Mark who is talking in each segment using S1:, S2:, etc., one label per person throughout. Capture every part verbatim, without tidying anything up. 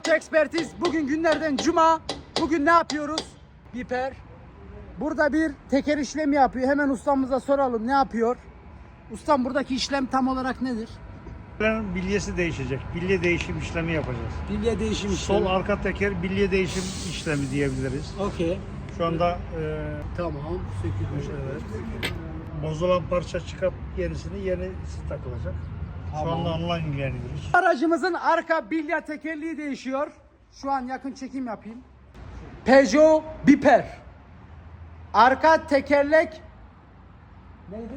S1: Ekspertiz. Bugün günlerden cuma. Bugün ne yapıyoruz? Biper. Burada bir teker işlemi yapıyor. Hemen ustamıza soralım ne yapıyor? Ustam buradaki işlem tam olarak nedir?
S2: Bilyesi değişecek. Bilye değişim işlemi yapacağız.
S1: Bilye değişim işlemi.
S2: Sol arka teker bilye değişim işlemi diyebiliriz.
S1: Okey.
S2: Şu anda e,
S1: Tamam. Sökülmüş.
S2: evet. Bozulan parça çıkıp yenisini yenisi takılacak. Şu
S1: Tamam.
S2: anda onunla ilgileniyoruz.
S1: Aracımızın arka bilya tekerleği değişiyor. Şu an yakın çekim yapayım. Peugeot Biper. Arka tekerlek neydi?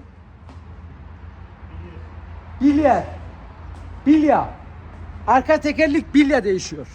S1: Bilya. Bilya. Arka tekerlek bilya değişiyor.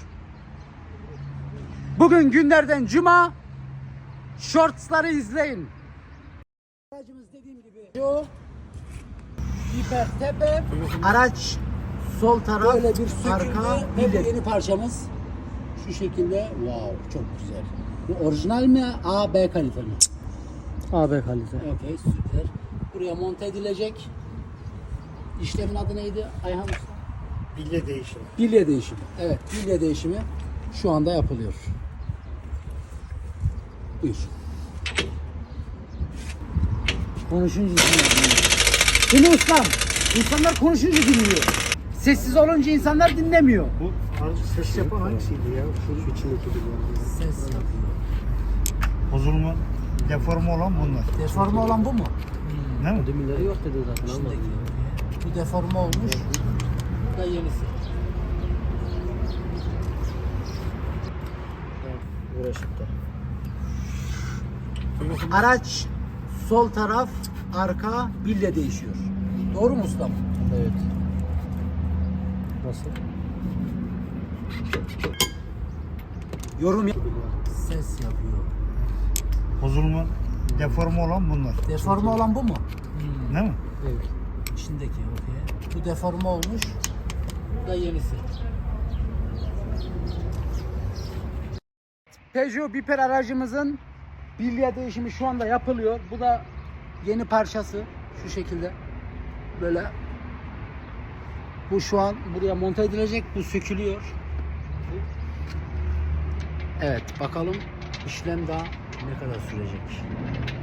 S1: Bugün günlerden cuma. Shortsları izleyin. Aracımız dediğim gibi Peugeot Biper tepe. Araç sol taraf, böyle bir arka bilya. Yeni parçamız şu şekilde. Wow, çok güzel. Bu orijinal mi? A, B kalite mi?
S3: A B kalite.
S1: Okey, süper. Buraya monte edilecek. İşlemin adı neydi Ayhan Usta?
S2: Bilye değişimi.
S1: Bilye değişimi. Evet, bilye değişimi şu anda yapılıyor. Buyur. Konuşunca dinliyor. Değil mi ustam? İnsanlar konuşunca dinliyor. Sessiz olunca insanlar dinlemiyor.
S2: Bu ses yapan hangisiydi ya? Şu içindeki
S1: Ses yapıyor.
S2: bozulma, deforme olan bunlar.
S1: Deforme olan bu mu?
S2: Değil mi?
S3: Demirleri yok dedi zaten.
S1: İçindeki. Bu deforme olmuş. Bu da yenisi.
S3: Uğraşıp da.
S1: Araç sol taraf, arka bilye değişiyor. Doğru mu ustam?
S3: Evet. Nasıl?
S1: Yorum yap. Ses yapıyor.
S2: Bozulma, deforme olan bunlar.
S1: Deforme olan bu mu?
S2: Değil mi?
S3: Evet.
S1: İçindeki okey. Bu deforme olmuş. Bu da yenisi. Peugeot Biper aracımızın bilye değişimi şu anda yapılıyor. Bu da yeni parçası. Şu şekilde. Böyle. Bu şu an buraya monte edilecek. Bu sökülüyor. Evet, bakalım işlem daha ne kadar sürecek.